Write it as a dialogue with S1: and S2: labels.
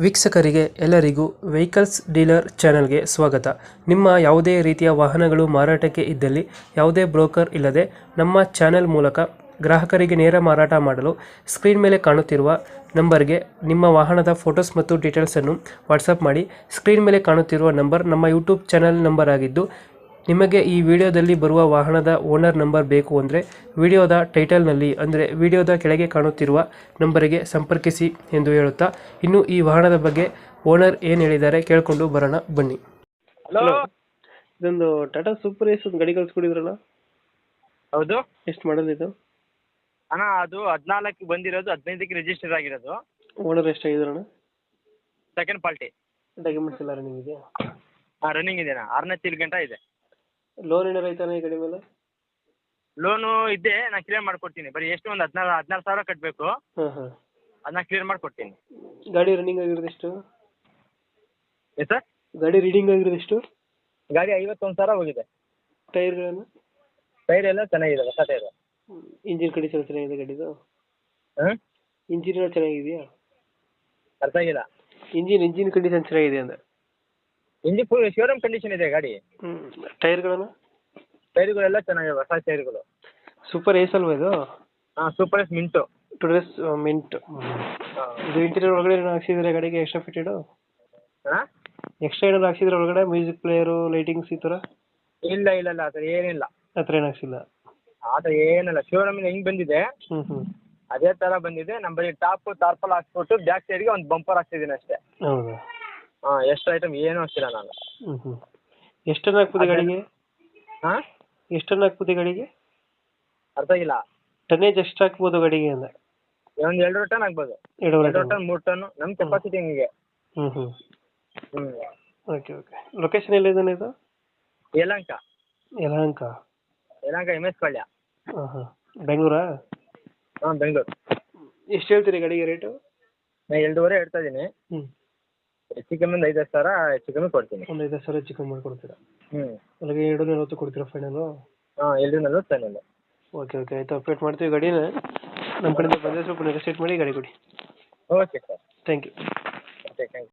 S1: ವೀಕ್ಷಕರಿಗೆ ಎಲ್ಲರಿಗೂ vehicles dealer ಚಾನೆಲ್ಗೆ ಸ್ವಾಗತ. ನಿಮ್ಮ ಯಾವುದೇ ರೀತಿಯ ವಾಹನಗಳು ಮಾರಾಟಕ್ಕೆ ಇದ್ದಲ್ಲಿ ಯಾವುದೇ ಬ್ರೋಕರ್ ಇಲ್ಲದೆ ನಮ್ಮ ಚಾನೆಲ್ ಮೂಲಕ ಗ್ರಾಹಕರಿಗೆ ನೇರ ಮಾರಾಟ ಮಾಡಲು ಸ್ಕ್ರೀನ್ ಮೇಲೆ ಕಾಣುತ್ತಿರುವ ನಂಬರ್ಗೆ ನಿಮ್ಮ ವಾಹನದ ಫೋಟೋಸ್ ಮತ್ತು ಡೀಟೇಲ್ಸನ್ನು ವಾಟ್ಸಪ್ ಮಾಡಿ. ಸ್ಕ್ರೀನ್ ಮೇಲೆ ಕಾಣುತ್ತಿರುವ ನಂಬರ್ ನಮ್ಮ ಯೂಟ್ಯೂಬ್ ಚಾನೆಲ್ ನಂಬರ್ ಆಗಿದ್ದು, ನಿಮಗೆ ಈ ವಿಡಿಯೋದಲ್ಲಿ ಬರುವ ವಾಹನದ ಓನರ್ ನಂಬರ್ ಬೇಕು ಅಂದರೆ ವಿಡಿಯೋದ ಟೈಟಲ್ನಲ್ಲಿ ಅಂದರೆ ವಿಡಿಯೋದ ಕೆಳಗೆ ಕಾಣುತ್ತಿರುವ ನಂಬರಿಗೆ ಸಂಪರ್ಕಿಸಿ ಎಂದು ಹೇಳುತ್ತಾ, ಇನ್ನು ಈ ವಾಹನದ ಬಗ್ಗೆ ಓನರ್ ಏನು ಹೇಳಿದ್ದಾರೆ ಕೇಳಿಕೊಂಡು ಬರೋಣ ಬನ್ನಿ.
S2: ಹಲೋ.
S1: ಇದೊಂದು ಟಾಟಾ ಸೂಪರ್ ಏಸ್ ಒಂದು ಗಾಡಿ ಕಳಿಸ್ಕೊಡಿದ್ರಲ್ಲ,
S2: ಹೌದು
S1: ಎಷ್ಟು ಮಾಡಲ್ ಇದು?
S2: ಅಣ್ಣ, ಅದು 14 ಬಂದಿರೋದು, 15ಕ್ಕೆ ರಿಜಿಸ್ಟರ್ ಆಗಿರೋದು.
S1: ಓನರ್ ಎಷ್ಟಾಗಿದ್ರಣ್ಣ?
S2: Second party.
S1: ಡಾಕ್ಯುಮೆಂಟ್ಸ್ ಎಲ್ಲ ರನ್ನಿಂಗ್ ಇದೆಯಾ?
S2: ರನ್ನಿಂಗ್ ಇದೆನಾ? 6ನೇ ತಿಂಗಳ ಇದೆ.
S1: ಲೋನ್ ಏನಾರು ಐತಾನೆ ಈ ಗಾಡಿ ಮೇಲೆ?
S2: ಲೋನು ಇದೆ, ನಾನು ಕ್ಲಿಯರ್ ಮಾಡ್ಕೊಡ್ತೀನಿ. ಬರೀ ಎಷ್ಟು ಒಂದು 16 ಸಾವಿರ ಕಟ್ಟಬೇಕು.
S1: ಹಾಂ ಹಾಂ,
S2: ಅದನ್ನ ಕ್ಲಿಯರ್ ಮಾಡ್ಕೊಡ್ತೀನಿ.
S1: ಗಾಡಿ ರನ್ನಿಂಗ್ ಆಗಿರೋದು ಎಷ್ಟು?
S2: ಏನು ಸರ್?
S1: ಗಾಡಿ ರೀಡಿಂಗ್ ಆಗಿರೋದು ಎಷ್ಟು?
S2: ಗಾಡಿ 51 ಸಾವಿರ ಹೋಗಿದೆ.
S1: ಟೈರ್ಗಳನ್ನು?
S2: ಟೈರ್ ಎಲ್ಲ ಚೆನ್ನಾಗಿದೆ, ಹೊಸ ಟೈರು.
S1: ಇಂಜಿನ್ ಕಂಡೀಷನ್ ಚೆನ್ನಾಗಿದೆ ಗಾಡಿದು?
S2: ಹಾಂ,
S1: ಇಂಜಿನ್ ಎಲ್ಲ ಚೆನ್ನಾಗಿದೆಯಾ?
S2: ಅರ್ಥ ಆಗಿಲ್ಲ.
S1: ಇಂಜಿನ್ ಕಂಡೀಷನ್ ಚೆನ್ನಾಗಿದೆ ಅಂದೆ.
S2: ಇಂಜಿನ್ ಫುಲ್ ಶೋರೂಮ್ ಕಂಡೀಷನ್ ಇದೆ ಗಾಡಿ.
S1: ಟೈರ್ಗಳನ್ನು?
S2: ಟೈರ್ಗಳೆಲ್ಲ ಚೆನ್ನಾಗಿದೆ, ಹೊಸ ಟೈರ್ಗಳು.
S1: ಸೂಪರ್ ಏಸ್ ಅಲ್ವಾ ಇದು?
S2: ಹಾಂ, super Ace mint.
S1: Today's mint. ಇದು ಇಂಟೀರಿಯರ್ ಒಳಗಡೆ ಏನೋ ಹಾಕ್ಸಿದ್ರೆ ಗಾಡಿಗೆ ಎಕ್ಸ್ಟ್ರಾ ಫಿಟೆಡು?
S2: ಹಾಂ,
S1: ಎಕ್ಸ್ಟ್ರಾ ಏನಾದ್ರು ಹಾಕ್ಸಿದ್ರೆ ಒಳಗಡೆ ಮ್ಯೂಸಿಕ್ ಪ್ಲೇಯರು, ಲೈಟಿಂಗ್ಸ್ ಈ ಥರ?
S2: ಇಲ್ಲ ಇಲ್ಲ ಇಲ್ಲ, ಆ ಥರ ಏನಿಲ್ಲ.
S1: ಆ ಥರ ಏನು ಹಾಕ್ಸಿಲ್ಲ?
S2: ಆ ಥರ ಏನಿಲ್ಲ. ಶೋರೂಮಿಂದ ಹೆಂಗೆ ಬಂದಿದೆ
S1: ಹ್ಞೂ
S2: ಅದೇ ಥರ ಬಂದಿದೆ. ನಮ್ಮ ಬರೀ ಟಾಪ್ ತಾರ್ಪಲ್ ಹಾಕ್ಸ್ಬಿಟ್ಟು ಬ್ಯಾಕ್ ಸೈಡ್ಗೆ ಒಂದು ಬಂಪರ್ ಹಾಕ್ಸಿದ್ದೀನಿ ಅಷ್ಟೇ.
S1: ಹೌದಾ?
S2: ಹಾಂ, ಎಷ್ಟು ಐಟಮ್ ಏನೂ ಹಾಕ್ಸಿಲ್ಲ ನಾನು.
S1: ಎಷ್ಟನ್ನು ಹಾಕ್ಬೋದು ಗಾಡಿಗೆ?
S2: ಹಾಂ,
S1: ಎಷ್ಟನ್ನು ಹಾಕ್ಬೋದು ಗಾಡಿಗೆ?
S2: ಅರ್ಥ ಆಗಿಲ್ಲ.
S1: ಟನ್ನೇಜ್ ಎಷ್ಟು ಹಾಕ್ಬೋದು ಗಾಡಿಗೆ ಅಂದೆ?
S2: ಒಂದು 2 ಟನ್ ಆಗ್ಬೋದು.
S1: 2
S2: 2 ಟನ್ 3 ಟನ್ ನಮ್ಮ ಕೆಪಾಸಿಟಿ ಹೆಂಗೆ.
S1: ಹ್ಞೂ
S2: ಹ್ಞೂ
S1: ಓಕೆ. ಲೊಕೇಶನ್ ಎಲ್ಲಿದೆ ಇದು?
S2: ಯಲಹಂಕ.
S1: ಯಲಹಂಕ
S2: MS ಪಾಳ್ಯ.
S1: ಹಾಂ ಹಾಂ, ಬೆಂಗಳೂರಾ?
S2: ಹಾಂ, ಬೆಂಗಳೂರು.
S1: ಎಷ್ಟು ಹೇಳ್ತೀರಿ ಗಾಡಿಗೆ ರೇಟು?
S2: ನಾನು 2.5 ಹೇಳ್ತಾ ಇದ್ದೀನಿ. ಹೆಚ್ಚು ಕಮ್ಮಿ ಒಂದು 5-10 ಸಾವಿರ ಹೆಚ್ಚು ಕಮ್ಮಿ ಕೊಡ್ತೀನಿ.
S1: ಒಂದು 5 ಸಾವಿರ ಹೆಚ್ಚು ಕಮ್ಮಿ ಮಾಡಿಕೊಡ್ತೀರಾ?
S2: ಹ್ಞೂ,
S1: ಅಲ್ಲಿಗೆ 240 ಕೊಡ್ತೀರಾ ಫೈನಲು?
S2: ಹಾಂ, 240 ಫೈನಲ್.
S1: ಓಕೆ ಆಯಿತು, ಅಪ್ಡೇಟ್ ಮಾಡ್ತೀವಿ ಗಾಡಿನ. ನಮ್ಮ ಕಡೆಯಿಂದ ಬಂದರೆ ಸ್ವಲ್ಪ ನೆಗೋಸಿಯೇಟ್ ಮಾಡಿ ಗಾಡಿ ಕೊಡಿ.
S2: Okay sir,
S1: thank you.
S2: Okay, thank you.